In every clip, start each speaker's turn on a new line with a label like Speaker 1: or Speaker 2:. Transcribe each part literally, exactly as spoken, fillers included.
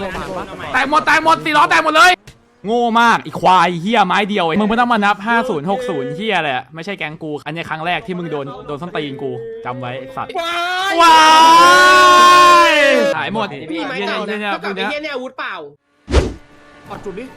Speaker 1: แตกหมดแตกหมดสี่ล้อแตกหมดเลยโง่มากอีควายเฮียไม้เดียวมึงไม่ต้องมานับห้าศูนย์หกศูนย์เฮียเลยไม่ใช่แก๊งกูอันนี้ครั้งแรกที่มึงโดนโดนส้นตีนกูจำไว้สัตว์ว้ายหายหมดพี่ไม่เก่าเนี่ยเนี่ยพวกเนี้ยเนี่ยอาวุธเปล่าปัดจุดดิ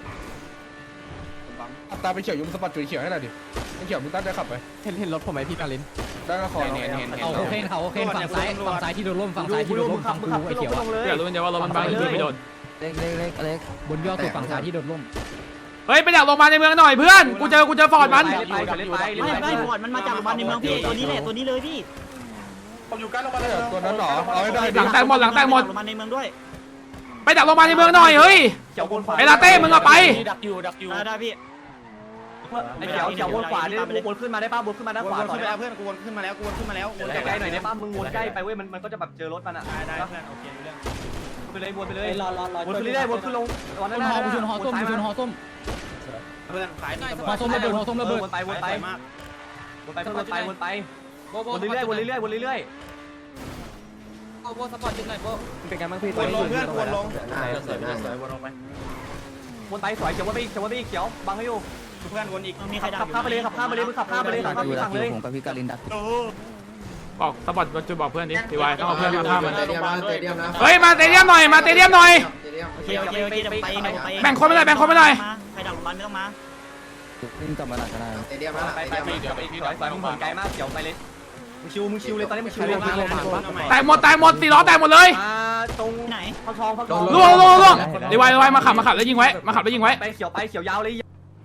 Speaker 1: ตาไปเขียวยุ่งสปัดจุดเขียวให้หน่อยดิไอ้เขียวมึงตั้งใจขับไปเห็นเห็นรถผมไหมพี่กาลินได้ก็ขอเห็นเห็นเขาโอเคเขาโอเคฝั่งซ้ายฝั่งซ้ายที่โดนล่มฝั่งซ้ายที่โดนล่มฝั่งกูไอ้เขียวอยากรู้เดี๋ยวว่ารถมันบังที่ไม่โดนเล็กเล็กเล็กเล็กบนยอดสุดฝั่งซ้ายที่โดนล่มเฮ้ยไปดักลงมาในเมืองหน่อยเพื่อนกูเจอกูเจอฟอร์ดมันไม่
Speaker 2: ไม่ฟอร์ดมันมาจากโรงพยาบาลในเมืองพี่ตัวนี้แหละตัวนี้เลยพี่
Speaker 3: ผมอยู่ใกล้โรงพยาบาล
Speaker 4: ตัวนั้นหรอเอาให้ได้
Speaker 1: หลังแตกหมดหลังแตกหมด
Speaker 2: โรงพยาบาลในเมืองด้วย
Speaker 1: ไปดักลงมาในเมืองหน่อยเฮ้ยไอ้ลาเต้มึงเอาไป
Speaker 3: ดักอยู่ดักอยู่
Speaker 2: ได้พี่
Speaker 3: ไอ้เขียวเขียววนขวาดิวนขึ้นมาได้ป่ะวนขึ้นมาด้านขวาต่อ
Speaker 2: เพื่อนกูวนขึ้นมาแล้วกูวนขึ้นมาแล้ว
Speaker 3: วนใกล้ๆหน่อยได้ป่ะมึงวนใกล้ไปเว้ยมันมันก็จะแบบเจอรถมันอ่ะ
Speaker 2: ได้เพื่อนโอเคเรื่อง
Speaker 3: ไปเลยวนไปเลย
Speaker 2: รอรอรอ
Speaker 3: วนขึ้นเรื่อยๆวนขึ้นลงวนนั่นๆ
Speaker 2: ชนหอส้มชนหอส้มเพื่อนสายหอส้มระเบิดหอส้มระเบิด
Speaker 3: วนไปวนไปวนไปวนไปวนไปวนเรื่อยๆวนเรื่อยๆวนเรื่อยๆ
Speaker 2: โบสปอร์ตจุดไหนโบ
Speaker 3: เป็นไงบ้างพี่
Speaker 2: วนลงเพื่อนวนลง
Speaker 3: สวยสวยวนลงไปวนไปสวยเขียววนไปเขียววนไปเขียวบังให้อยู่
Speaker 2: เพื่อนวนอีกมีใครดัก
Speaker 3: ขับข้ามไปเลยขับข้ามไปเลยมึงขับข้ามไปเลยขับข้ามไปฝั่งเลย
Speaker 4: ผมกับพี่กาลินดัก
Speaker 1: บอกสปอร์ตจุดบอกเพื่อนดิทีวายต้องเอาเพื่อนมาข้ามมัน
Speaker 4: เตเดียมนะเตเดียมนะ
Speaker 1: เฮ้ยมาเตเดียมหน่อยมาเตเดียมหน่อย
Speaker 2: โอเคโอเคโอเคไปไป
Speaker 1: แบ่งคนไม่ได้แบ่งคนไม่ได้
Speaker 2: ใครดักโรงพยาบาลไม่ต้องมา
Speaker 4: วิ่งกลับมาหลังก็ได้
Speaker 3: เตเดียมนะไปไปเดี๋ยวไปพี่ถอยถอยมึงไกลมากเดี๋ยวไปเลยมึงชิวมึงชิวเลยตอนนี้มึงชิวเลย
Speaker 1: แตกหมดแตกหมดสี่ล้อแตกหมดเลย
Speaker 3: ตรงไหนเขาทองเขาทอง
Speaker 1: ล่วงล่วงล่วงทีวายทีวายมาขับมาขับแล้วยิงไว้มาขับแล้วยิงไว้
Speaker 3: ไปเขียวไปเขียวยาวเลย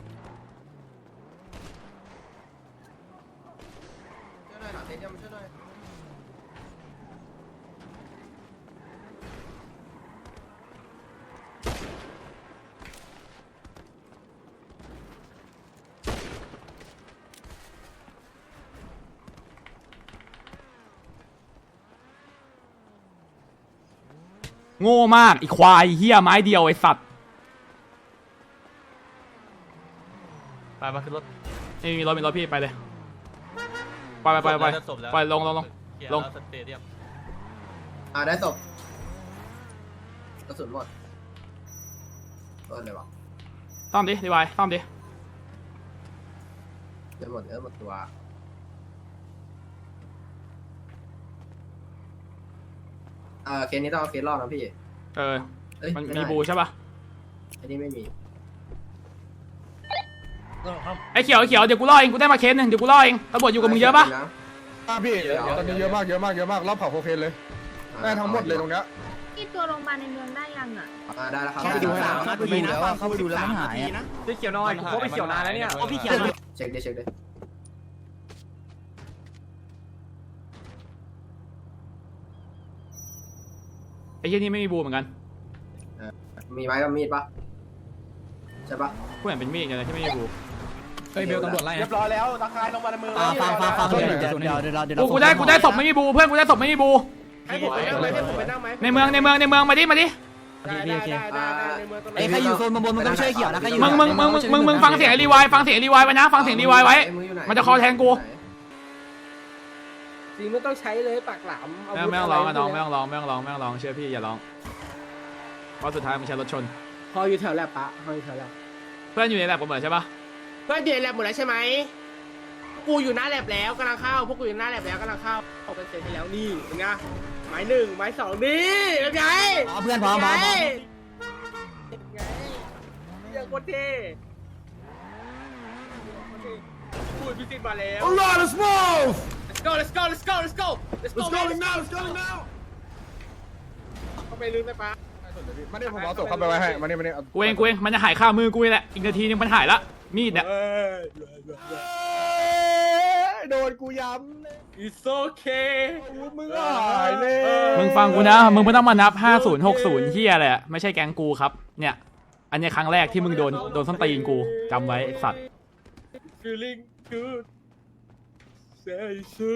Speaker 1: โง่มากอีควายเฮียไม้เดียวไอ้สัตว์ไปมาขึ้นรถนี่มีรถมีรถพี่ไปเลยไปไปไปไปไปลงลงลงลง
Speaker 4: อ่าได้ศพกระสุนหมดต้นเลยวะ
Speaker 1: ซ่อมดิดีไวซ่อมดิ
Speaker 4: เดี๋ยวหมดเดี๋ยวหมดตัวเออเคสนี้ต้องเอาเคสรอดนะพี่
Speaker 1: เออมันมีบูใช่ป่ะ
Speaker 4: อันนี้ไม่มี
Speaker 1: ไอ้เขียวไอ้เขียวเดี๋ยวกูล่อเองกูได้มาเคสหนึ่งเดี๋ยวกูล่อเองตำรวจอยู่กับมึงเยอะป่ะ
Speaker 4: พี่ตอนนี้เยอะมากเยอะมากเยอะมากรอบเผาโคเคนเลยได้ทั้งหมดเลยตรงเนี้ย
Speaker 5: ที่ตัวโรงพยาบาลในเมืองได้ยังอ่ะ
Speaker 4: ได้แล้วครับ
Speaker 2: เข้าไปดูแล้วเข้าไปดูแล้วเข้าไปดูแล้วมันหาย
Speaker 3: นะพี่เขียวน้อยโค้ไปเขียวนานแล้วเนี่ย
Speaker 2: โอ้พี่เขียว
Speaker 4: เช็คดิเช็คดิ
Speaker 1: ไอ้เหี้ยนี่ไม่มีบูเหมือนกัน
Speaker 4: มีไม้กับมีดปะใช่ปะ
Speaker 1: กูเห็นเป็นมีดอย่างไรที่ไม่มีบู
Speaker 2: เฮ้ยเบลตำรวจไล่
Speaker 3: เรียบร้อยแล้วตะคายลงมาในมือ
Speaker 2: ฟังฟังฟังเดี๋ยวเดี๋ยวเดี๋ยวเดี๋ยว
Speaker 1: กูได้กูได้ศพไม่มีบูเพื่อนกูได้ศพไม่มีบู
Speaker 3: ให้ผมไปนั่งไหมให้ผมไปนั่งไหม
Speaker 1: ในเมืองในเมืองในเมืองมาดิมาดิ
Speaker 2: ไอ้ใครอยู่โซนบนมึงต้องช่วยเขียวนะใครอยู่
Speaker 1: มึงมึงมึงมึงมึงฟังเสียงรีวายฟังเสียงรีวายไว้นะฟังเสียงรีวายไว้มันจะคอแทงกู
Speaker 3: จริงไม่ต้องใช้เลยปากหลาม
Speaker 1: ไม่ต้องร้องน้องไม่ต้องร้องไม่ต้องร้องไม่ต้องร้องเชื่อพี่อย่าร้องเพราะสุดท้ายมันใช้รถชน
Speaker 3: พออยู่แถวแลบปะพออยู่แถวแลบ
Speaker 1: เพื่อนอยู่ในแลบกันหมดใช่ปะ
Speaker 3: เพื่อนอยู่ในแลบหมดแล้วใช่ไหมกูอยู่หน้าแลบแล้วกำลังเข้าพวกกูอยู่หน้าแลบแล้วกำลังเข้าออกเป็นเสร็จแล้วนี่เป็นไงไม้หนึ่งไม้สองนี่เป็นไง
Speaker 2: เพื่อนพร้อมพร้อม
Speaker 3: เป็นไงเรื่องโคตรเท่พูดพิจิตรมาแล้ว
Speaker 4: Alright let's move
Speaker 3: let's go let's go let's go let's go
Speaker 4: let's go now let's go now
Speaker 3: เข้าไปลึกได้ปะ
Speaker 4: มาเนี่ยผมเอาศพเข้าไปไว้ให้มาเนี่ยมาเนี่ย
Speaker 1: กูเองกูเองมันจะหายข้ามือกูแหละอีกนาทีนึงมันหายละมีดเนี่ย
Speaker 4: โดนกูย้ำเลย
Speaker 3: it's okay
Speaker 4: มึงหายเลย
Speaker 1: มึงฟังกูนะมึงไม่ต้องมานับห้าศูนย์หกศูนย์เฮียเลยไม่ใช่แก๊งกูครับเนี่ยอันนี้ครั้งแรกที่มึงโดนโดนส้นตีนกูจำไว้สัตว์
Speaker 3: feeling good say so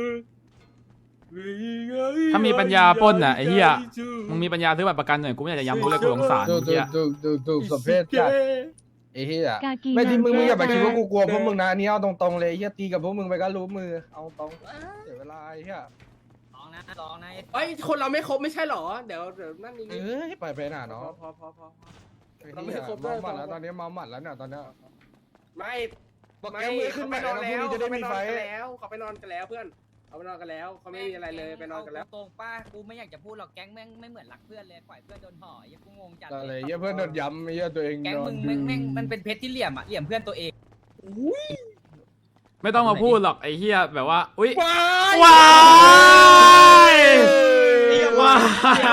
Speaker 1: ถ้ามีปัญญาปล้นน่ะไอ้เหี้ยมึงมีปัญญาซื้อบัตรประกันหน่อยกูไม่อยากจะย้ำกูเลยกูสงสารเหี้ย
Speaker 4: ดูดูดูสมเพศจัดไอ้เหี้ยไม่ที่มึงมึงอย่าไปคิดว่ากูกลัวพวกมึงนะอันนี้เอาตรงๆเลยเหี้ยตีกับพวกมึงไปก็รู้มือเอาตรงเสียเวลาไอ้เหี้ย
Speaker 6: นะร้องนะ
Speaker 3: เอ้ยคนเราไม่ครบไม่ใช่หรอเดี๋ยวเดี๋ยวนั่นนี่
Speaker 7: เอ้ยไปไปหน่า
Speaker 3: พอ
Speaker 7: เนาะ
Speaker 3: พอพอพอ
Speaker 7: เราไม่ครบเมาหมัดแล้วตอนนี้เมาหมัดแล้วเนี่ยตอนเนี้ย
Speaker 3: ไม่
Speaker 7: บอก
Speaker 3: ไม่
Speaker 7: แกมือขึ้น
Speaker 3: เขา
Speaker 7: ไป
Speaker 3: ไปนอน
Speaker 7: แล้วพ
Speaker 3: แล้
Speaker 7: รุ่ง
Speaker 3: ว
Speaker 7: นี้จะได้
Speaker 3: เขาไป
Speaker 7: มี
Speaker 3: นอ
Speaker 7: ไฟ
Speaker 3: นกันแล้วเขาไปนอนกันแล้วเพื่อนเขาไปนอนกันแล้วเขาไม่มีอะไรเลยไปนอนกันแล้ว
Speaker 6: ตรงป้ากูไม่อยากจะพูดหรอกแก๊งแม่งไม่เหมือนรักเพื่อนเลยปล่อยเพื่อนโดนห่อยังกูงงจัด
Speaker 7: อะไรเยี่ยเพื่อนโดนย้ำเยี่ยตัวเอง
Speaker 6: แก๊ง
Speaker 7: โด
Speaker 6: มึ
Speaker 7: น
Speaker 6: งแม่งแม่งมันเป็นเพชรที่เหลี่ยมอ่ะเหลี่ยมเพื่อนตัวเอง
Speaker 1: ไม่ต้องมาพูดหรอกไอ้เฮียแบบว่าอุ้ย
Speaker 3: ว้าย
Speaker 1: ว้ายว้าย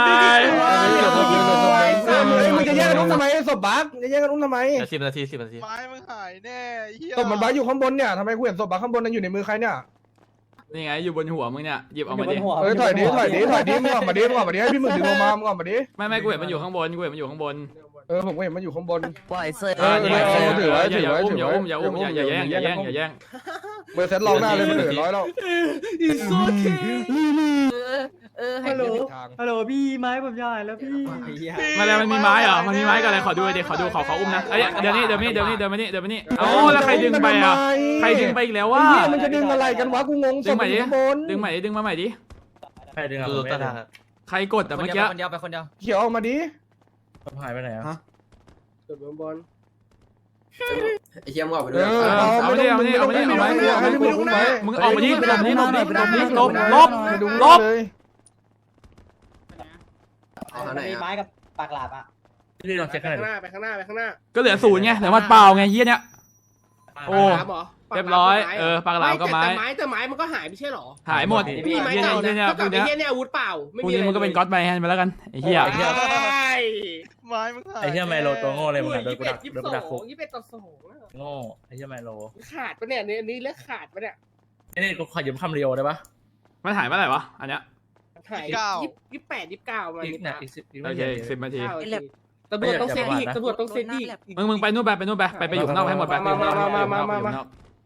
Speaker 7: มึงจะแย่งกันอุ้มทำไมศพบักจะแย่งกันอุ้มทำไม
Speaker 2: สิบนาทีสิบนาที
Speaker 8: ไม้มึงหายแน่เฮีย
Speaker 7: ศพมันบักอยู่ข้างบนเนี่ยทำไมกูเห็นศพบักข้างบนนั้นอยู่ในมือใครเนี่ย
Speaker 1: นี่ไงอยู่บนหัวมึงเนี่ยหยิบออกมาดิ
Speaker 7: เอ้ยถอยดิถอยดิถอยดิมึงออกมาดิมึงออกมาดิให้พี่มึงดึงลงมามึงออกมาดิ
Speaker 1: ไม่ไม่กูเห็นมันอยู่ข้างบนกูเห็นมันอยู่ข้างบน
Speaker 7: เออผมก็เห็นมันอยู่ข้างบน
Speaker 6: ปล่อยเสื้อ
Speaker 7: เออเออเออถือไว้ถือ
Speaker 1: อย่า
Speaker 7: ไว้
Speaker 1: อุ้ม
Speaker 7: ถื
Speaker 1: อย่า
Speaker 7: อไว้
Speaker 1: อุ้มอย่าอุ้มอย่าอย่าแย่งอย่าแย่งอย่าแย่ง
Speaker 7: เบอร์เซ็ตลองหน้าเลยมันเหลือร้อยแล้ว
Speaker 3: It's okay
Speaker 6: เออให้
Speaker 7: ฮัลโหล
Speaker 9: ฮัลโหลพี่ไม้ผมจะหายแล้วพี่
Speaker 1: มาแล้วมันมีไม้เหรอมันมีไม้กันอะไรขอดูดิขอดูขอขออุ้มนะเอ้ยเดี๋ยวนี้เดี๋ยวนี้เดี๋ยวนี้เดี๋ยวนี้เดี๋ยวนี้เอ้าแล้วใครดึงไปอ่ะใครดึงไปอีกแล้ววะ
Speaker 7: ไอ้เหี้ยมันจะดึงอะไรกันวะกูงงศ
Speaker 1: ดึ
Speaker 7: พ
Speaker 1: งใหม่
Speaker 7: อ
Speaker 1: ดิ
Speaker 7: ยู่ข้างบน
Speaker 1: ดึงใหม่ดิดึงมาใหม่ดิ
Speaker 9: ใครดึงอ่ะ
Speaker 2: คือตาทาง
Speaker 1: ใครกดแต่
Speaker 6: คน
Speaker 1: เมื่อ
Speaker 6: เดีย
Speaker 1: กี้
Speaker 6: วคนเดียวไปคนเดียว
Speaker 7: เขียวออกมาดิ
Speaker 9: ผมหายไปไหนอ่ะ
Speaker 3: จุดบนบน
Speaker 4: ไอ้เหี้ยมึงออกไป
Speaker 7: เอ
Speaker 4: ด้วย
Speaker 7: อเอาไม่ต้องไม่ต้องไม่ต้องให้มึงอุ้มไว้
Speaker 1: มึงออกมาดิมึงออกมาดิลบดิลบดิลบลบ
Speaker 7: ไปดู
Speaker 1: ลบ
Speaker 7: เลย
Speaker 4: เอาทางไหน
Speaker 9: มี
Speaker 4: อะ
Speaker 9: ไม้กับปากหลาบอ่ะพี่ลอง
Speaker 3: ไป
Speaker 9: เช็คให้ห
Speaker 3: ข้างห
Speaker 9: น่อย
Speaker 3: น้าไปข้างหน้าไปข้างหน้า
Speaker 1: ก็เหลือศูนย์ไงเหลือมันเปล่าไงเฮียเนี้ย โอ้
Speaker 3: ปากหลามเหรอ
Speaker 1: เรียบร้อยเออปากหลามก็ไม้
Speaker 3: แต่ไม้แต่ไม้มันก็หายไม่ใช่หรอ
Speaker 1: หายหมด
Speaker 3: มีไม้
Speaker 1: เฮีย
Speaker 3: เก่า
Speaker 1: เนี่ย
Speaker 3: นะ
Speaker 1: เนี่ย
Speaker 3: เท่า
Speaker 1: พ
Speaker 3: กั
Speaker 1: ว
Speaker 3: บ
Speaker 1: ก
Speaker 3: ไอ้
Speaker 1: เนี้ย
Speaker 3: เหี้ยเนี่ยอาวุธเปล่าไม่
Speaker 1: พวก
Speaker 3: มี
Speaker 1: นี้
Speaker 3: อะไร
Speaker 1: มึงก็เป็นก็อดไมแฮนไปแล้วกันไอ้เหี้ย
Speaker 3: ใช่
Speaker 8: ไม้มึงหาย
Speaker 9: ไอ้เหี้ยไมโลตัวโง่เลยมึงอ่ะโดนกูดัก
Speaker 3: ยี่
Speaker 9: โด
Speaker 3: สิ
Speaker 9: น
Speaker 3: บ
Speaker 9: กู
Speaker 3: ส
Speaker 9: ดักคุก
Speaker 3: องยี่สิบเอ็ดต่อสอง
Speaker 9: โง่ไอ้เหี้ยไมโล
Speaker 3: ขาดปะเนี่ยอันนี้เลือกขาดปะเนี่ย
Speaker 9: นี่กูขอยืมคำเรียวได้ปะ
Speaker 1: มันหายเมื่อไหร่วะอันเนี้ย
Speaker 3: หายยี่สิบแปดยี่สิบเก้ามา
Speaker 9: อีก
Speaker 3: นี่
Speaker 9: เนี่ยอีกสิบอีก
Speaker 1: โอ
Speaker 9: ไม่
Speaker 1: เค
Speaker 9: เยอะ
Speaker 1: สิบนาที
Speaker 3: เก้านาทีตำรวจต้องเซ็ตอีกตำรวจต้องเซ็ตอีก
Speaker 1: มึงมึงไปนู่นไปไปนู่นไปไปไปอยู่ข้างนอกให้หมดไปไปอยู่ข้างนอกไปอยู่ข้างนอกไปอยู่ข้างนอก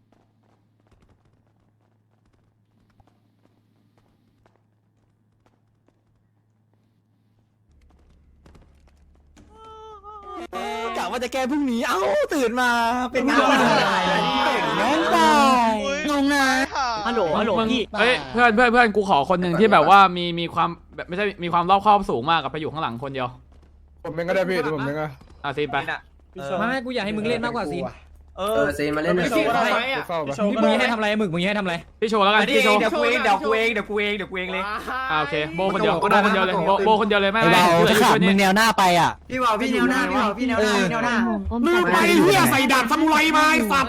Speaker 9: กะว่าจะแก้พรุ่งนี้เอ้าตื่นมาเป็นงาน
Speaker 8: แม่งตาย
Speaker 9: งงนะ
Speaker 8: ฮัลโหล
Speaker 1: มึงมึงเอ้ยเพื่อนเพื่อนเพื่อนกูขอคนหนึ่งที่แบบว่ามีมีความแบบไม่ใช่มีความรอบคอบสูงมากกับไปอยู่ข้างหลังคนเดียว
Speaker 7: ผมเองก็ได้พี่ผมเองก็
Speaker 1: อ่ะซีนไป
Speaker 6: ไม่ไม่กูอยากให้มึงเล่นมากกว่าสิ
Speaker 4: เออซีนมาเล่นหน่อย
Speaker 3: ไม่ใช่เขาไหมอ่ะ
Speaker 7: เฝ้าไป
Speaker 6: มึงให้ทำอะไรมึงมึงให้ทำอะไร
Speaker 1: พี่โชว์แล้วกันพี่โชว์
Speaker 6: เดี๋ยวกูเองเดี๋ยวกูเองเดี๋ยวกูเองเดี๋ยวกูเองเลย
Speaker 1: อ่าโอเคโบคนเดียวโบคนเดียวเลยโบโบคนเดียวเลยไม่ไม่
Speaker 6: จะขาดมึงแนวหน้าไปอ่ะ
Speaker 9: พี่ว่าพี่แนวหน้าพี่ว่าพี่แนวหน้าแนวหน้า
Speaker 5: ลืมไป
Speaker 6: เหี้ยใส่ดาบซามูไรมาไอ้สัตว์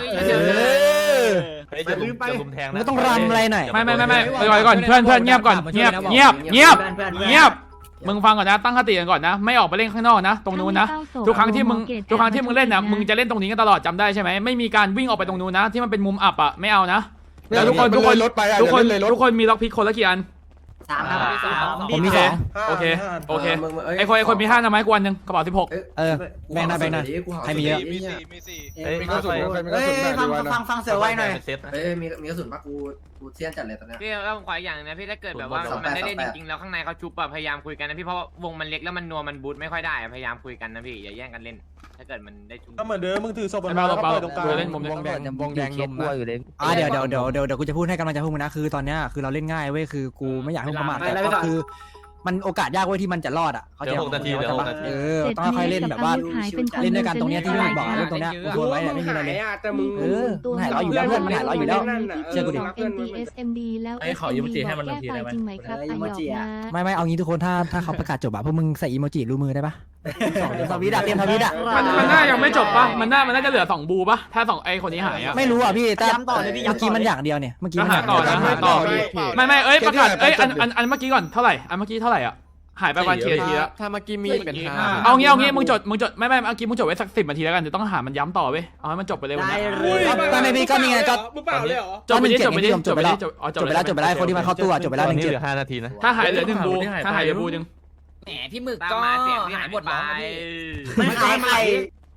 Speaker 2: ลืมไปลุมแทง
Speaker 6: มึงต้องรำอะไรหน่อย
Speaker 1: ไม่ไม่ไม่ไม่ไปก่อนเพื่อนเพื่อนเงียบก่อนเงียบเงียบเงียบเงียบมึงฟังก่อนนะตั้งสติกันก่อนนะไม่ออกไปเล่นข้างนอกนะตรงนู้นนะทุกครั้งที่มึงทุกครั้งที่มึงเล่นนะมึงจะเล่นตรงนี้กันตลอดจำได้ใช่ไหมไม่มีการวิ่งออกไปตรงนู้นนะที่มันเป็นมุมอับอ่ะไม่เอานะแล้วทุกคนทุกคน
Speaker 7: รถไปอ่ะ
Speaker 1: ทุกคน
Speaker 7: เลยรถ
Speaker 1: ทุกคนมีล็อกพิกคนละกี่อัน
Speaker 6: สามครับ
Speaker 1: ผมมีสองโอเคโอเคไอคนไอคนมีห้านะไหมกูอันหนึ่งกระเป๋าสิบหก
Speaker 6: เออแบ่งหน้าแบ่งหน้าใครมีเยอะ
Speaker 8: มีสี่มีสี่
Speaker 2: เอ้ย
Speaker 7: มีกระสุนใครมีกระสุนหน้าดีวะนะ
Speaker 6: ฟังฟังเสือไว้หน่อย
Speaker 2: เซต
Speaker 4: เอ้ยมีมีกระสุนปะกูกูเสี้ยนจัดเลยตอนเนี้ย
Speaker 10: พี่แล้วผมขออีกอย่างนึงนะพี่ถ้าเกิดแบบว่ามันได้เล่นจริงๆแล้วข้างในเขาชุบอะพยายามคุยกันนะพี่เพราะว่าวงมันเล็กแล้วมันนัวมันบูทไม่ค่อยได้อะพยายามคุยกันนะพี่อย่าแย่งกันเล่น ถ้าเกิดมันได้ชุบ
Speaker 9: ก็เหมือนเดิมมึงถือศพ
Speaker 1: ไอ้เบาเบากูเล่นมุมนี้
Speaker 6: วงแดงวงแดงนมนะอ่าเดี๋ยวเดี๋ยวเดี๋ยวเดี๋ยวเดี๋ยวกูจะพูดให้กำลังใจพวกมึงนะคือตอนเนี้ยคือเราเล่นง่ายเว้ยคือกูไม่อยากให้มึงประมาทแต่ก็คือมันโอกาสยากเว้ยที่มันจะรอดอ่ะเขา
Speaker 2: เดี๋
Speaker 6: ใจ
Speaker 2: ยวหกนาทีเดี๋ยวหกนาที
Speaker 6: เออต้องค่อยเล่นแบบว่าเล่นด้วยกันตรงเนี้ยที่มึงบอกเล่นตรงเนี้ยกู
Speaker 3: รู้
Speaker 6: ไว้
Speaker 3: ว่า
Speaker 6: เนี่ย
Speaker 3: มึ
Speaker 6: ไม่
Speaker 3: ง
Speaker 6: มีอะไร
Speaker 3: หา
Speaker 6: เลย ย
Speaker 3: อ่ะแต่มึง
Speaker 6: เออมันหายร้อยอยู่แล้วเพื่อนมันหายร้อยอยู่แล้ว เชื่อกูดิ
Speaker 5: เอ็ม ดี เอส เอ็ม ดี แล้ว
Speaker 9: ไอ้ขอยืมจีให้มัน
Speaker 5: แก้
Speaker 9: ที
Speaker 5: ไฟ
Speaker 9: ได้ไหม
Speaker 5: จริงไหมครับไอหยอกนะ
Speaker 6: ไม่ไม่เอางี้ทุกคนถ้าถ้าเขาประกาศจบอะพวกมึงใส่อีโมจิรูมือได้ปะสองเตรียมทวิตอะเตรียมทวิตอะ
Speaker 1: มันมันน่ายังไม่จบปะมันน่ามันน่าจะเหลือสองบูปะถ้าสองไอคนนี้หายอะ
Speaker 6: ไม่รู้อ่ะพี่แต่เมื่อกี้มันอย่างเดียวเนี่ยเมื่อกี้
Speaker 1: ก็
Speaker 6: มัน
Speaker 1: หาต่อนะหาต่อ ไม่ไม่เอ้ยประกาศเอ้ยอันอันอันเมื่อกี้ก่อนเท่าไหร่อันเมื่อกี้เท่าไหร่อ่ะหายไปประมาณกี่นาทีแล้ว
Speaker 2: ถ้าเมื่อกี้มีเป็นห้า
Speaker 1: เอางี้เอางี้มึงจดมึงจดไม่ไม่เมื่อกี้มึงจดไว้สักสิบนาทีแล้วกันเดี๋ยวต้องหามันย้ำต่อเว้ยเอาให้มันจบไปเลยวันนี้
Speaker 6: ก็ไม่พี่ก็มีไงก็
Speaker 3: มึงเปล่าเลยเหรอ
Speaker 1: จบไปดิจบไปดิ
Speaker 6: จบไปแล้ว
Speaker 1: จบอ๋อ
Speaker 6: จบไปแล้วจบไปแล้วคนที่มาเข้าตู้อะจบไปแล้วหนึ่ง
Speaker 2: นี้
Speaker 6: เจ็
Speaker 2: เห
Speaker 6: ด
Speaker 2: ลือห้านาทีนะ
Speaker 1: ถ้าหายเหลือหนึ่งบูถ้าหายเหลือบูหนึ่ง
Speaker 6: แหมพี่หมึก
Speaker 10: ตาม
Speaker 6: ก็
Speaker 10: มาเสียงพี่
Speaker 6: หา
Speaker 10: หาย ย
Speaker 6: ห
Speaker 10: ห
Speaker 6: ม
Speaker 10: ม
Speaker 6: ด
Speaker 10: ด
Speaker 6: ร้
Speaker 10: ร้
Speaker 6: อ
Speaker 10: อง ง
Speaker 6: นะ
Speaker 10: นะ
Speaker 6: พี่
Speaker 10: พี่
Speaker 9: ไม่ใครใคร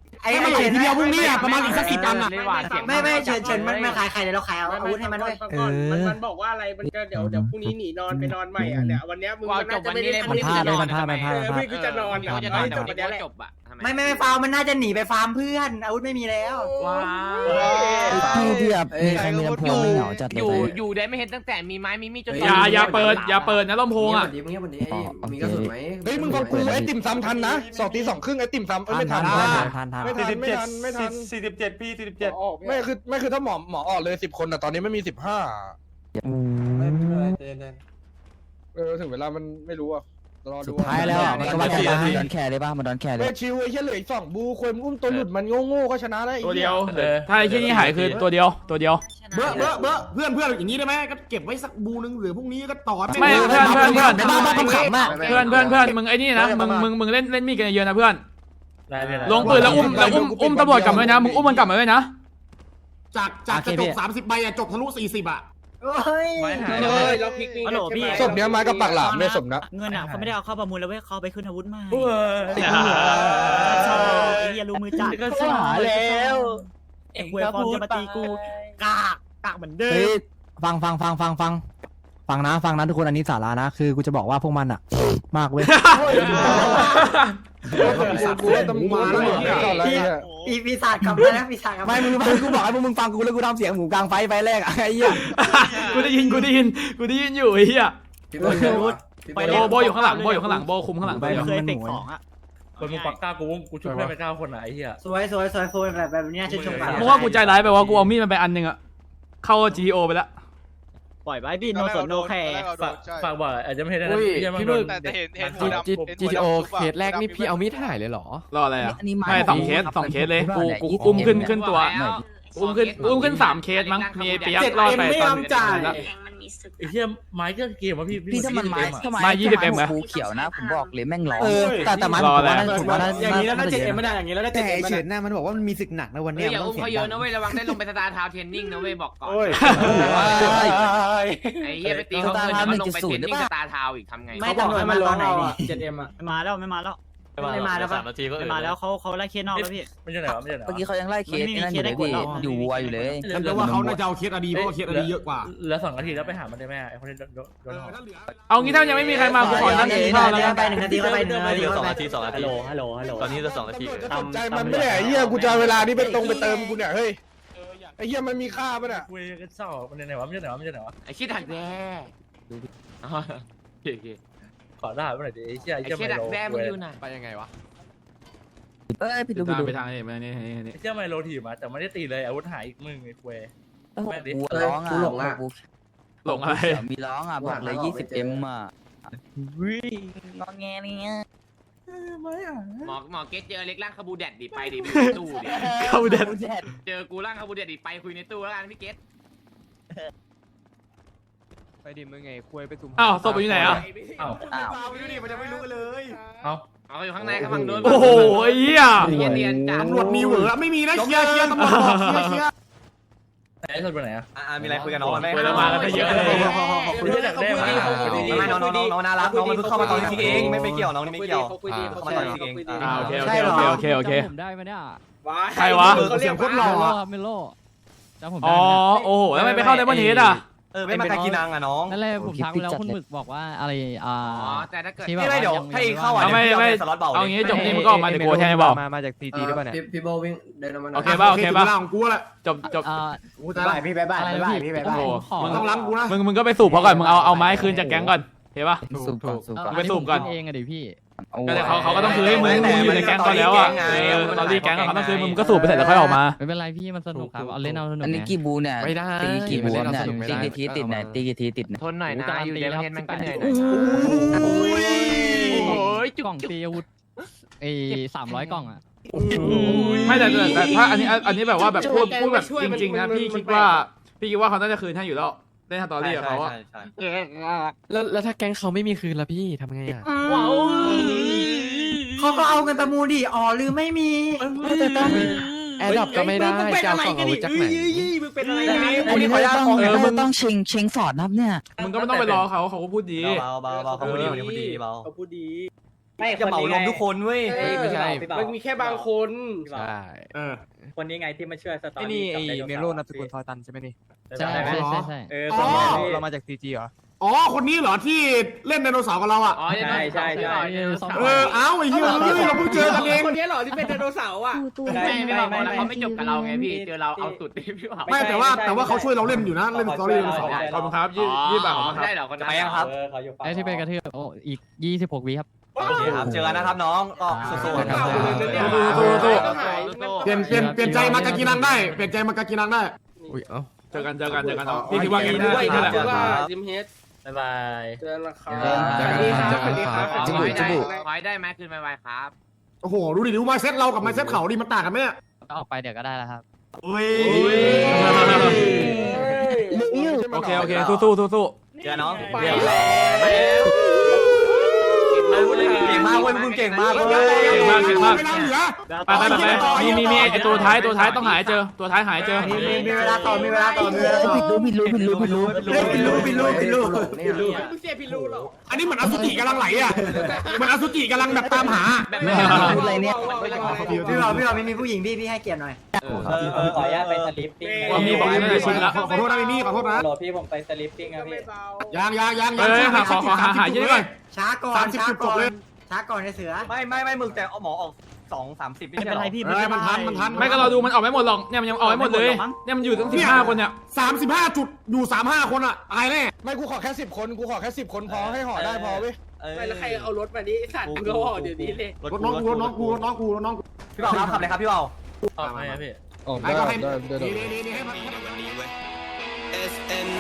Speaker 9: ไอ้เฉินทีเดียวพรุ่งนี้อ่ะประมาณอีกสักสิบตังค์อ่ะ
Speaker 10: ไม่ไม่เฉินเฉินมันไม่ขายใครเลยเราขายเอาอาวุธให้มันด้วย
Speaker 3: มันมันบอกว่าอะไรมันก็เดี๋ยวเดี๋ยวพรุ่งนี้หนีนอนไปนอนใหม่อ่ะเนี่ยวันเนี้ยมึงน่าจะไม่ได้
Speaker 6: มันพลาดเลยมันพลาดมันพลาด
Speaker 3: เอ
Speaker 6: มัน
Speaker 3: อ
Speaker 6: พลา
Speaker 3: พี่
Speaker 6: ด
Speaker 3: กูจะนอน
Speaker 10: เดี๋ยวจะนอน
Speaker 3: จบวันนี้แหละ
Speaker 10: จบอะ
Speaker 9: ไม่ไม่ไม่ฟาร์มมันน่าจะหนีไปฟาร์มเพื่อนอาวุธไม่มีแล้ว
Speaker 10: ว้า
Speaker 6: พี่พี่แบบมีใครมีลำโพงไม่เหงาจัดเล
Speaker 10: อย ยู่
Speaker 6: ไป
Speaker 10: อยู่ได้ไม่เห็นตั้งแต่มีไม้มีมีดจน
Speaker 1: อย่าอย่าเปิดอย่าเปิดนะลำโพงอ่ะ
Speaker 4: เงียบวันนี้มีกระสุนไหม
Speaker 7: เฮ้ยมึงฟังกูไอ้ติ่มซ้ำทันนะสองตีสองครึ่งไอ้ติ่มซ้ำเอ้ยไม่ทัน
Speaker 6: ทันทันทัน
Speaker 7: ไม่ทันไม่ทันไม่ทัน
Speaker 8: สี่สิบเจ็ดพี่สี่สิบเจ็ด
Speaker 7: ไม่คือไม่คือถ้าหมอหมอออกเลยสิบคนแต่ตอนนี้ไม่มีสิบห้าเออถึงเวลามันไม่รู้อ่ะรอ
Speaker 6: สุ
Speaker 7: ดู
Speaker 6: ดท้ายแล้วมันก็ว่ากันมันดอนแคร์เลยป่ะมันดอนแคร์เลย
Speaker 7: เฮ้ยชิวไอ้เหี้ยเหลืออีกสองบูควรอุ้มตัวหลุดมันโง่ๆก็ชนะได้
Speaker 1: ตัวเดียวถ้าไอ้ที่นี่หายคือตัวเดียวตัวเดียว
Speaker 9: เบ้อเบ้อเบ้อเพื่อนเพื่อนอย่างนี้ได้ไหมก็เก็บไว้สักบูนึงหรือพรุ่งนี้ก็ต่อ
Speaker 1: ไม่เพื่อนเพื่อนเพื่อน
Speaker 6: ในบ้านบ้านขำมาก
Speaker 1: เพื่อนเพื่อนเพื่อนมึงไอ้นี่นะมึงมึงมึงเล่นเล่นมีดกันเยอะนะเพื่อนลงปืนแล้วอุ้มแล้วอุ้มอุ้มตำรวจกลับมาด้วยนะมึงอุ้มมันกลับมาด้วยนะ
Speaker 9: จากจากกระจกสามสิบใบอะจบทะลุสี่สิบอะ
Speaker 10: เฮ้ยเราพลิกนี่
Speaker 7: ศพเนี้ยไม้กับปากหลามเนี่ยศพนะ
Speaker 11: เงินอ่ะเขาไม่ได้เอาเข้าประมูลแล้วเว้ยเขาไปขึ้นอาวุธใหม่ไอ้เหี้ยรู้มือจัด
Speaker 8: ก็สาแล้ว
Speaker 11: ไอ้ควยฟอร์มจะมาตีกูกากกากเหมือนเดิ
Speaker 6: เฮ้ย
Speaker 11: ม
Speaker 6: ฟังฟังฟังฟังฟังฟังนะฟังนะทุกคนอันนี้สาระนะคือกูจะบอกว่าพวกมันอะมากเว้ย
Speaker 7: กูว่าตำรวจตำรวจไม่ก่อนแล้วเนี่ย
Speaker 10: ปีปีศาจกลับมาแล้วปีศาจกลับ
Speaker 6: ไม่มึงฟังกูบอกให้พวกมึงฟังกูแล้วกูทำเสียงหมูกลางไฟไฟแรกอะไอ้เหี้ย
Speaker 1: กูได้ยินกูได้ยินกูได้ยินอยู่ไอ้เหี้ย
Speaker 4: พี่โบ๊ทพี่โบ๊ทพี่
Speaker 1: โบ
Speaker 4: โบ๊ท
Speaker 1: โบอยู่ข้างหลังโบอยู่ข้างหลังโบคุมข้างหลัง
Speaker 6: ไป
Speaker 1: ไป
Speaker 6: แล้ว
Speaker 11: เคย
Speaker 6: มัน
Speaker 11: เตะ
Speaker 6: หมู
Speaker 11: ของอ่ะ
Speaker 8: คนมึงปักกล้ากูกูช่วยเพื่อนไปเก้าคนไหนไอ้เหี้ย
Speaker 10: สวยสวยสวยโฟนแบบแบบนี้ชื่นชมกัน
Speaker 1: มึงว่ากูใจร้ายไปว่ากูเอามีดมันไปอันหนึงอะเข้า จี ที โอ ไปแล้ว
Speaker 11: ปล่อยไว้พี่โนสนโนแคร์
Speaker 8: ฝากฝากบอกอาจจะไม่เห็นนะ
Speaker 2: พี่มึงแต่เห็นเห็นหัวดำ
Speaker 8: จีทีโอเคสแรกนี่พี่เอามีดถ่ายเลยเหรอ
Speaker 1: รออะไรอ่ะไม่สองเคสสองเคสเลยกูกูอุ้มขึ้นขึ้นตัวอุ้มขึ้นอุ้มขึ้นสามเคสมั้งมีเปียกรอดไปตอนแล้ว
Speaker 8: ไอ้เหี้ยไม้ก็เกมวะพี่
Speaker 6: พี่ถ้ามันไม้ถ้า
Speaker 1: มายี่สิบเอ็มไหม
Speaker 6: ภูเขียวนะผมบอกเลยแม่งร้องแต่แต่ไม้ผมว่าน่าผมว่าน่า
Speaker 9: อย่างนี้แล้วน่าจะเอ็มไม่ได้อย่างนี้แล้วน่าจะ
Speaker 5: แต่
Speaker 9: เอ็มไม่
Speaker 5: เฉิ
Speaker 9: ได้
Speaker 5: นน่ะมันบอกว่ามันมีศึกหนักนะวัน
Speaker 10: เฮ้
Speaker 5: เนี้
Speaker 10: ยอย่าอุ้มเขาเยอะนะเว้ยระวังได้ลงไปสตาร์ทาวน์เทรนนิ่งนะเว้ยบอกก่อน
Speaker 9: โอ้ย
Speaker 10: ไอ้เหี้ยไปตีเขาเกินแล้วลงไปเทรนนิ่งสตาร์ทาวน์อีกทำไง
Speaker 9: ไม่ตำรวจมาตอนไหนนี่เจ็ดเอ็มอะ
Speaker 11: ไม่มาแล้วไม่มาแล้ว
Speaker 10: ไม่มาแล้วปะ
Speaker 11: ไม่มาแล้วเขาเขาไล่เคสนอกแล้วพี่
Speaker 8: ไม่ใช่ไหนวะไม่ใช่ไหน
Speaker 6: เมื่อกี้เขายังไล่เคสนั่นอยู่เลยพี่อยู่วัวอยู่เลย
Speaker 9: ฉันจะว่าเขาน่าจะเอาเคสอดีเพราะว่าเคสอดีเยอะกว่า
Speaker 8: แล้วสองนาทีแล้วไปหามันได้ไหมไอ้คนที่โดนโดน
Speaker 1: เอางี้ถ้ายังไม่มีใครมากูขอนั่งกินข้าวแล้วกัน
Speaker 10: ไปหนึ่งนาทีก็ไปหนึ่งนาที
Speaker 8: สองนาทีสองนา
Speaker 11: ฮัล
Speaker 8: ที
Speaker 11: โหลฮัลโหลฮัลโหล
Speaker 8: ตอนนี้จะสองนาที
Speaker 7: จะสนใจมันไม่ได้ไอ้เหี้ยกูจะเวลานี้ไปตรงไปเติมกูเนี่ยเฮ้ยไอ้เหี้ยมันมีค่าป่ะเนี่ย
Speaker 8: คุยกันเศร้ามันไหนวะไม่ใช่ไหนวะไม่ใช่ไหนวะ
Speaker 10: ไอ้ขี้ดักแด้โอเค
Speaker 8: ขอได้เมื่อไหร่ดิไอ้เหี้ย
Speaker 10: ไอ้
Speaker 8: ไอ้เหี้ย
Speaker 10: ขี้
Speaker 8: ไม
Speaker 10: ดัก
Speaker 8: โล
Speaker 10: แด้มึงอยู่ไหน
Speaker 8: ไปยังไงวะ
Speaker 6: เอ้ยพี่ดูพี่
Speaker 1: ตาม
Speaker 6: ดู
Speaker 1: ไปทางนี้ไปนี่นี่นี่
Speaker 8: ไอ้เหี้ยไมโลถีบมาแต่ไม่ได้ตีเลยอาวุธหายอีกมึงไอ้คุย
Speaker 6: วัวร้องอ่ะ
Speaker 1: หลงอะไร
Speaker 6: มีร้องอ่ะบอกเลยยี่สิบเอ็มอ่ะวิ่งงอแงเนี่ย
Speaker 10: หมอหมอเกตเจอเล็กร่างคาบูแดดดิไปดิไปในตู้ดิ
Speaker 1: เข้าเด็ด
Speaker 10: เจอกูร่างคาบูแดดดิไปคุยในตู้แล้วกันพี่เกต
Speaker 8: ไปดิมึงไงคุยไปตุ่ม
Speaker 1: อ้าวศพอยู่ไหนอ่ะ
Speaker 8: อ้าว
Speaker 6: อ้าว
Speaker 9: ไปดูดิมันจะไม่รู้กันเลย
Speaker 8: เอ้า
Speaker 10: เอาอยู่ข้างในกำลังโดน
Speaker 1: โอ้โหไอ้เหี้ย
Speaker 10: เรียนเรียนจ้า
Speaker 9: ตำรวจมีเหวอไม่มีนะเคลียร์เคลียร์ตำรวจบอกเคลียร์เคลียร์
Speaker 8: ไอ้คนไปไหนอ่ะ
Speaker 2: อ่ามีอะไรคุยกันน้องไหม
Speaker 1: ไปแล้วมากันไปเยอะเลย
Speaker 8: คุยจากแด้มา
Speaker 2: ไม่น้องน้องน้องน่ารักน้องมันเพิ่งเข้ามาตอนนี้เองไม่ไม่เกี่ยวน้องนี่ไม่เกี่ยว
Speaker 3: เขาคุยดีเขา
Speaker 2: เข้า
Speaker 3: คุ
Speaker 2: มาย ตอน
Speaker 3: ดี
Speaker 2: นี้เอง
Speaker 3: เขาคุยดี
Speaker 1: อ่าโอเคโอเคโอเคโอเคโอเค
Speaker 11: ผมได้ไหมเนี่ย
Speaker 1: ใครวะ
Speaker 9: เขาเสียงโคตรหล่อ
Speaker 11: เมโลจำผม
Speaker 1: อ๋
Speaker 11: ได้
Speaker 1: อโอ้โหแล้วไม่ไปเข้าไดมอนด์เฮดอ่ะ
Speaker 2: เออไม่มากากินังอ่ะน้อง
Speaker 11: นั่นแหละผมทักไปแล้วคุณหมึกบอกว่าอะไรอ่า
Speaker 10: อ๋อแต่ถ้าเกิด
Speaker 2: ไม่ไม่เดี๋ยวให้เข้าอ่ะ
Speaker 1: เอาไม่ไม่
Speaker 2: สล็อตเบา
Speaker 1: เอางี้จบนี่มึงก็ออกมาเดี๋ยวกูแทนให้บอก
Speaker 8: มามาจากซีจีหรือเปล่าเนี่ย
Speaker 4: พี่โบวิ่งเดินออกมา
Speaker 1: โอเคป่ะโอเคป่ะ
Speaker 9: ของกูแหละ
Speaker 1: จบจบ
Speaker 11: อ่า
Speaker 9: กูจะไล่พี่ไปบ้าน
Speaker 11: อะไร
Speaker 9: ไป
Speaker 11: นะ
Speaker 9: บ้าน
Speaker 11: พี่
Speaker 9: พี่ไป
Speaker 11: ต้
Speaker 9: บ้าน
Speaker 11: องขอ
Speaker 9: มึงต้องล้างกูนะ
Speaker 1: มึงมึงก็ไปสูบเขาก่อนมึงเอาเอาไม้คืนจากแก๊งก่อนเห็นป่ะ
Speaker 6: สูบก่อนสูบก่อน
Speaker 1: ไปสูบก่อน
Speaker 11: เองอะดิพี่
Speaker 1: ก็เลยเขาเขาก็ต้องคืนให้มึงมึงอยู่ในแก๊งก่อนแล้วอ่ะเออตอนรีแก๊งเขาต้องคืนมึงก็สูบไปเสร็จแล้วค่อยออกมา
Speaker 11: ไม่เป็นไรพี่มันสนุกครับเอาเล่นเอาสนุก
Speaker 6: อันนี้
Speaker 11: ไง
Speaker 6: กี่บูเนี่ย
Speaker 8: ไม่ได้
Speaker 6: ตีกี่บูเนี่ย
Speaker 8: ไม่ได้
Speaker 6: ตีกี่ทีติดเนี่ยตีกี่ทีติดเนี่ย
Speaker 10: ทนหน่อยนะอยู่ในประเทศมันก็เหนื่อยห
Speaker 11: โอ้
Speaker 10: น่อย
Speaker 11: ย
Speaker 10: โอ้ย
Speaker 11: กล่องตีอาวุธเอ้สามร้อยกล่องอ่ะ
Speaker 1: ไม่แต่แต่แต่ถ้าอันนี้อันนี้แบบว่าแบบพูดพูดแบบจริงๆนะพี่คิดว่าพี่คิดว่าเขาน่าจะคืนให้อยู่แล้วเล่นสตอรี่กับเขาอะ
Speaker 8: แล้วแล้วถ้าแก๊งเขาไม่มีคืนละพี่ทำไงอ่ะ
Speaker 10: เขาก็เอาเงินประมูลดิอ๋อหรือไม่มี
Speaker 8: แอร์ดรอปก็ไม่ได้จะเอาของอาวุธจากไหน
Speaker 9: มึงเป็นอะไร
Speaker 6: อันนี้ไม่ต้องไม่ต้องเชงเชงฟอร์ดนับเนี่ย
Speaker 1: มึงก็ไม่ต้องไปรอเขาเขาก็พูดดี
Speaker 2: เบาเบาเบาเขาพูดดีเขาพูดดีเบา
Speaker 3: เขาพูดดี
Speaker 11: ไม่จะเหมารวมทุกคนเว้ย
Speaker 8: ไม่ใช่
Speaker 3: มันมีแค่บางคน
Speaker 8: ใช่
Speaker 9: เออ
Speaker 11: คนนี้ไงที่มาช่วยสตอ
Speaker 6: ไอ้
Speaker 11: รี่
Speaker 6: นี่ไอ้เมโลนามสกุลซอยตันใช่ไหมนี่
Speaker 8: ใช่ใช่ใช่ใช่
Speaker 11: เออ
Speaker 9: อ๋อ
Speaker 6: เรามาจากซีจีเหรอ
Speaker 9: อ๋อคนนี้เหรอที่เล่นไดโนเสาร์กับเราอ่ะ
Speaker 10: อ๋อ
Speaker 11: ใช่ใช่ใช่
Speaker 9: เออเอ้าไอ้เหี้ยเฮ้ยเราเพิ่งเจอกันเอง
Speaker 3: คนนี้เหรอที่เป็นไดโนเสาร์อ่ะ
Speaker 5: กูตัว
Speaker 10: ไม่ไม่บอกแล้วเขาไม่จบกับเราไงพี่เจอเราเอาสุดดิพี่บอก
Speaker 9: ไม่แต่ว่าแต่ว่าเขาช่วยเราเล่นอยู่นะเล่นสตอรี่ไดโนเสาร์
Speaker 10: ขอบคุณครับยี่ยี่บาทได้เหรอคนนั้น
Speaker 11: ไปยังครับเขาอยู่ฝั่ง
Speaker 8: ไอ้ที่เป็นกระเทือบโอ้อีกยี่สิบหกวิครับ
Speaker 11: โอเคครับเจอกันนะครับน้องก็สู้ๆ
Speaker 3: เก่าเลยเนี่ย
Speaker 10: ต้องหาย
Speaker 9: เปลี่ยนเปลี่ยนเปลี่ยนใจมากากินังได้เปลี่ยนใจมากากินังได้
Speaker 8: อุ้ยเอ้า
Speaker 1: เจอกันเจอกันเจอกันพี่คิดว่างี้
Speaker 3: ด้
Speaker 1: นะ
Speaker 3: วย
Speaker 1: นี่แหละ
Speaker 3: ถือว่าจิมเฮด
Speaker 11: บ๊ายบาย
Speaker 3: เจอแล้วครับ
Speaker 8: เจอกัน
Speaker 3: สวัสดีครับ
Speaker 8: เจอกัน
Speaker 3: สวัสดีครับ
Speaker 10: ขอให้ได้ไหมคืนไวๆครับ
Speaker 9: โอ้โหดูดิดูมาเซ็ตเรากับมาเซ็ตเขาดิมันต่างกันไหมเนี่ย
Speaker 8: ก็ออกไปเดี๋ยวก็ได้แล้วครับ
Speaker 9: อุ้ย
Speaker 1: โอเคโอเคสู้สู้สู้สู้
Speaker 11: เจอน้อง
Speaker 3: ไป
Speaker 11: เดี๋ยว
Speaker 3: แล้ว
Speaker 11: เก่งมากเว้ยมึงเก่งมากเว้ย
Speaker 1: เก่งมากเก่งมาก
Speaker 9: เวลาเหลือ
Speaker 1: ไปไปไปไปมีมีมีไอตัวท้ายตัวท้ายต้องหายเจอตัวท้ายหายเจอ
Speaker 11: มีมีเวลาต่อมีเวลาต่อมีเวลาต่อ
Speaker 6: ผิดรู้ผิดรู้ผิดรู้ผิดรู้
Speaker 11: ผิดรู้ผิดรู้ผิดรู้
Speaker 3: มึงเสียพี่รู้หรอ
Speaker 9: อันนี้เหมือนอสุจิกำลังไหลอ่ะเหมือนอสุจิกำลังแบบตามหา
Speaker 6: พูดอะไรเนี่ย
Speaker 11: พี่เราพี่เราไม่มีผู้หญิงพี่พี่ให้เกียรติหน่อยเออเออขออนุญาตไปสลิปปิ้ง
Speaker 1: ว่ามีบอกไม่ได้ชินละ
Speaker 9: ขอโทษนะมิมี่ขอโทษนะ
Speaker 11: โหลดพี่ผมไปสลิปปิ้งครับพี่
Speaker 9: ยังยังยัง
Speaker 1: เออหาขอขอหาหาเยอะก่อน
Speaker 11: ช้าก่อน
Speaker 9: สามสิบ
Speaker 11: ช้า
Speaker 9: จุดจ
Speaker 11: ก่
Speaker 9: บ
Speaker 11: อน
Speaker 9: เลย
Speaker 11: ช้าก่อนไอ้เสือไม่ไม่ไม่มึงแต่เอาหมอออกสองสามสิบไม่
Speaker 6: ไม่
Speaker 11: ใช่
Speaker 6: เป็น
Speaker 11: หร
Speaker 6: ไร
Speaker 11: อ
Speaker 6: พี่
Speaker 9: เออมันทันมันทัน
Speaker 1: ไม่ก็เราดูมันออกไม่หมดหรอกเนี่ยมันยังออกไม่หมดเลยเนี่ยมันอยู่ตั้งสิบห้าคนเนี่ย
Speaker 9: สามสิบห้าจุดอยู่สามห้าคนอ่ะตายแน่
Speaker 7: ไม่กูขอแค่สิบคนกูขอแค่สิบคนพอให้ห่อได้พอเว้ย
Speaker 3: ไม่แล้วใครเอารถมาดิสัตว์มึงก็ห่อเดี๋ยวนี้เลย
Speaker 9: รถน้องกูรถน้องกูรถน้องกูรถน้องกู
Speaker 11: พี่เบาครับขับเลยครับพี่เบา
Speaker 7: ออก
Speaker 9: ไอ้
Speaker 7: ได้
Speaker 9: ก็ให้
Speaker 7: ได้ได้
Speaker 9: นี่นี่นี่ให้มัน
Speaker 2: เอสเอ็น